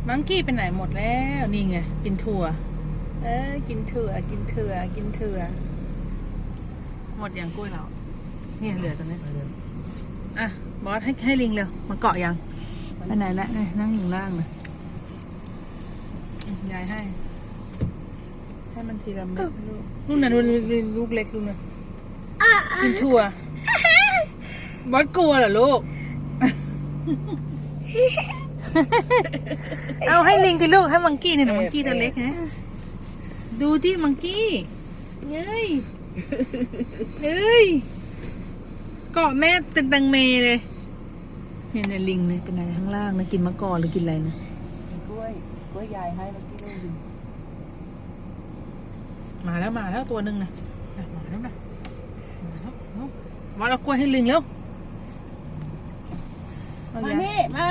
มังกี้ไปไหนหมดแล้วนี่ไงกินถั่วกินถั่วกินถั่วกินถั่วหมดอย่างกล้วยเราเนี่ยเหลือตรงนี้อ่ะบอสให้ลิงเร็วมาเกาะยังไปไหนละนี่นั่งอยู่ล่างเลยยายให้มันทีละเม็ดลูกนู่นน่ะลูกเล็กลูกน่ะกินถั่วบอสกลัวเหรอลูก เอาให้ลิงกินลูกให้มังกี้เนี่ยมังกี้ตัวเล็กนะดูที่มังกี้เฮ้ยเกาะแม่เป็นตังเมเลยเนี่ยลิงเนี่ยเป็นอะไรข้างล่างนะกินมะกอกหรือกินอะไรนะกล้วยยายให้เมื่อกี้เลยมาแล้วตัวหนึ่งนะมาแล้วมาเอากล้วยให้ลิงแล้วมานี่มา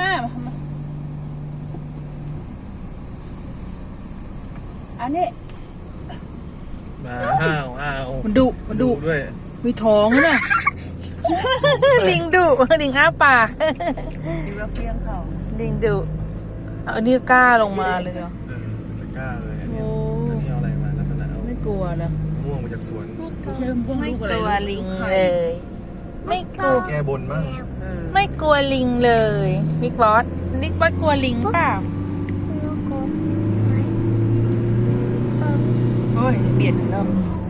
อันนี้มาอ้าวมันดุด้วยมีท้องนะ ลิงดุลิงอ้าปากดูแล้วเฟี้ยงเขาลิงดุอันนี้กล้าลงมาเลยเหรอกล้าเลยอันนี้เอาอะไรมาลักษณะไม่กลัวนะม่วงมาจากสวนไม่กลัวลิงเลยไม่กลัวแก้บนบ้างไม่กลัวลิงเลยบิ๊กบอสกลัวลิงเปล่าโอ้ยเบียดแล้ว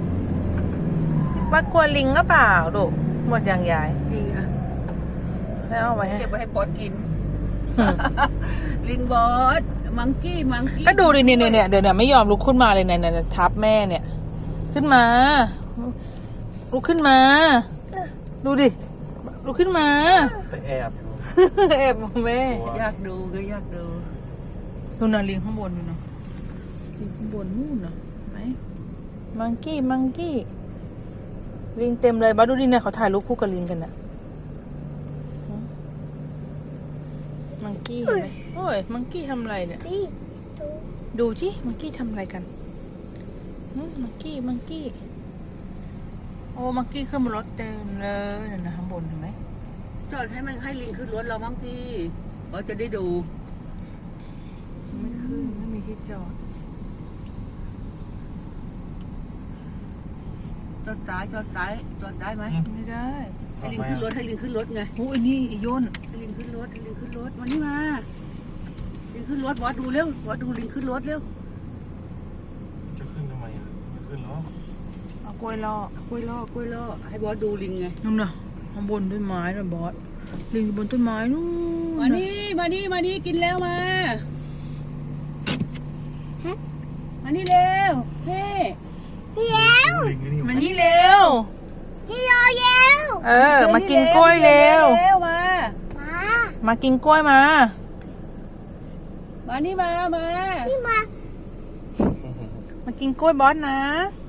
ว่ากลัวลิงก็เปล่าดูหมดอย่างใหญ่ดีอ่ะให้เอาไว้เก็บไว้ให้บอสกินลิงบอสมังกี้ก็ดูดิเนี่ยเดี๋ยวไม่ยอมลุกขึ้นมาเลยเนี่ยทับแม่เนี่ยขึ้นมาลุกขึ้นมาดูดิลุกขึ้นมาไปแอบอยู่แอบแม่อยากดูดูน่ะลิงข้างบนดูนะลิงข้างบนนู่นน่ะไหมมังกี้ลิงเต็มเลยบ้าดูดิเนี่ยเขาถ่ายรูปคู่กับลิงกันน่ะมังกี้เห็นไหมโอ้ยมังกี้ทำอะไรเนี่ยดูสิมังกี้ทำอะไรกันมังกี้โอ้มังกี้ขึ้นบนรถเต็มเลยนะข้างบนเห็นไหมจอดให้ลิงขึ้นรถเราบ้างพี่เราจะได้ดูไม่ขึ้นไม่มีที่จอดจอดซ้ายจอดได้ไหมไม่ได้ให้ลิงขึ้นรถไงโอ้ยนี่ย่นให้ลิงขึ้นรถมานี่มาลิงขึ้นรถบอสดูเร็วบอสดูลิงขึ้นรถเร็วจะขึ้นทำไมอ่ะไม่ขึ้นหรอเอากล้วยล่อให้บอสดูลิงไงนู่นน่ะข้างบนต้นไม้น่ะบอสลิงบนต้นไม้นู่นมานี่กินแล้วมานี่เร็วเฮ้มานี่เร็วมากินกล้วยเร็วมากินกล้วยมานี่มามากินกล้วยบอสนะ